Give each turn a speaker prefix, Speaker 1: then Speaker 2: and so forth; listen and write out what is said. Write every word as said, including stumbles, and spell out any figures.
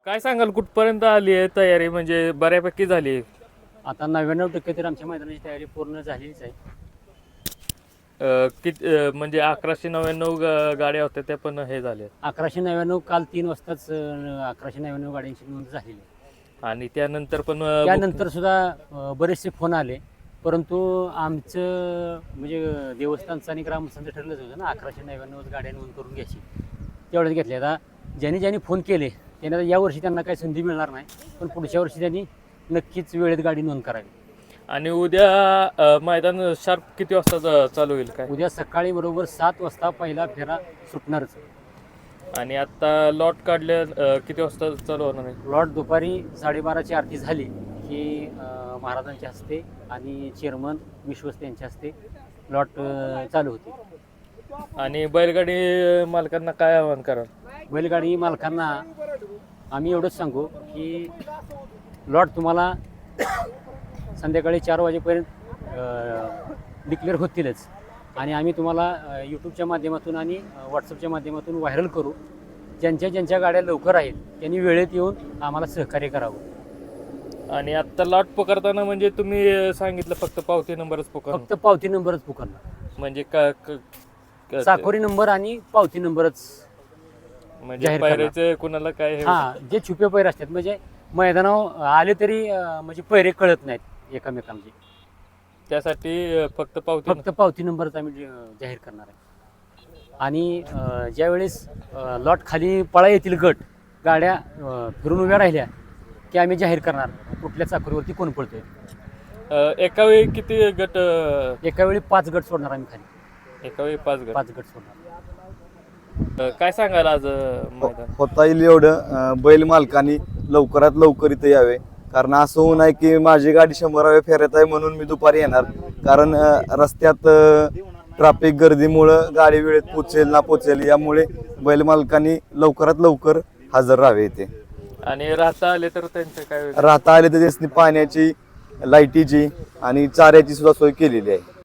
Speaker 1: काय सांगाल कुठपर्यंत आली आहे तयारी? म्हणजे बऱ्यापैकी झाली आहे.
Speaker 2: आता नव्याण्णव टक्के तर आमच्या मैदानाची तयारी पूर्ण झालीच आहे.
Speaker 1: अ, कित अ, म्हणजे अकराशे नव्याण्णव गा- गाड्या होत्या त्या पण हे झाल्या
Speaker 2: अकराशे नव्याण्णव काल तीन वाजताच अं, अकराशे नव्याण्णव गाड्यांची नोंद झालेली आहे.
Speaker 1: आणि त्यानंतर पण अ,
Speaker 2: त्यानंतर सुद्धा अं, बरेचसे फोन आले, परंतु आमचं म्हणजे अं, देवस्थानचं आणि ग्रामस्थांचं ठरलंच होतं ना अकराशे नव्याण्णव गाड्या नोंद करून घ्यायची. तेवढ्याच घेतल्या. आता ज्यांनी ज्यांनी फोन केले त्यांना आता यावर्षी त्यांना काही संधी मिळणार नाही, पण पुढच्या वर्षी त्यांनी नक्कीच वेळेत गाडी नोंद करावी.
Speaker 1: आणि उद्या अ, मैदान शार्प किती वाजता चा- चालू होईल काय?
Speaker 2: उद्या सकाळी बरोबर सात वाजता पहिला फेरा सुटणारच.
Speaker 1: आणि आता लॉट काढले अ, किती वाजता चालू होणार आहे?
Speaker 2: लॉट दुपारी साडेबाराची आरती झाली की अं, महाराजांच्या हस्ते आणि चेअरमन विश्वस्त यांच्या हस्ते लॉट अं, चालू होते.
Speaker 1: आणि बैलगाडी मालकांना काय आवाहन कराल?
Speaker 2: बैलगाडी मालकांना आम्ही एवढंच सांगू की लॉट तुम्हाला संध्याकाळी चार वाजेपर्यंत डिक्लेअर होतीलच, आणि आम्ही तुम्हाला यूट्यूबच्या माध्यमातून आणि व्हॉट्सअपच्या माध्यमातून व्हायरल करू. ज्यांच्या ज्यांच्या गाड्या लवकर आहेत त्यांनी वेळेत येऊन आम्हाला सहकार्य करावं.
Speaker 1: आणि आता लॉट पकडताना म्हणजे तुम्ही सांगितलं फक्त पावती नंबरच पकड,
Speaker 2: फक्त पावती नंबरच पुकारणार.
Speaker 1: म्हणजे का क- क-
Speaker 2: चाकोरी नंबर आणि पावती नंबरच
Speaker 1: म्हणजे
Speaker 2: जाहीर करणार.
Speaker 1: पायऱ्याचं कुणाला काय हे
Speaker 2: हा, जे छुपे पैरे असतात म्हणजे मैदानावर आले तरी अं, म्हणजे पैरे कळत नाहीत एकमेकांचे.
Speaker 1: त्यासाठी अ, फक्त पावती
Speaker 2: फक्त पावती नंबरच आम्ही अं, जाहीर करणार आहे. आणि अं, ज्यावेळेस अं, लॉट खाली पळा येतील गट गाड्या अं, फिरून उभ्या राहिल्या की आम्ही जाहीर करणार कुठल्या चाकरीवरती कोण पळतोय.
Speaker 1: अ, एका वेळी किती गट? अ,
Speaker 2: एका वेळी पाच गट सोडणार आम्ही खाली,
Speaker 1: एका वेळी पाच गट.
Speaker 2: पाच गट सोडणार.
Speaker 1: अ, काय सांगाल आज अ, मैदान?
Speaker 3: होता येईल एवढं अं, बैल मालकांनी लवकरात लवकर इथं यावे, कारण असं होऊ नये की माझी गाडी शंभराव्या फेऱ्यात आहे म्हणून मी दुपारी येणार, कारण अं, रस्त्यात ट्रॅफिक गर्दीमुळं गाडी वेळेत पोचेल ना पोचेल, यामुळे बैल मालकांनी लवकरात लवकर हजर राहावे इथे.
Speaker 1: आणि राहता आले तर त्यांचं काय?
Speaker 3: राहता आले तर त्यासनी पाण्याची, लाईटीची आणि चाऱ्याची सुद्धा सोय केलेली आहे.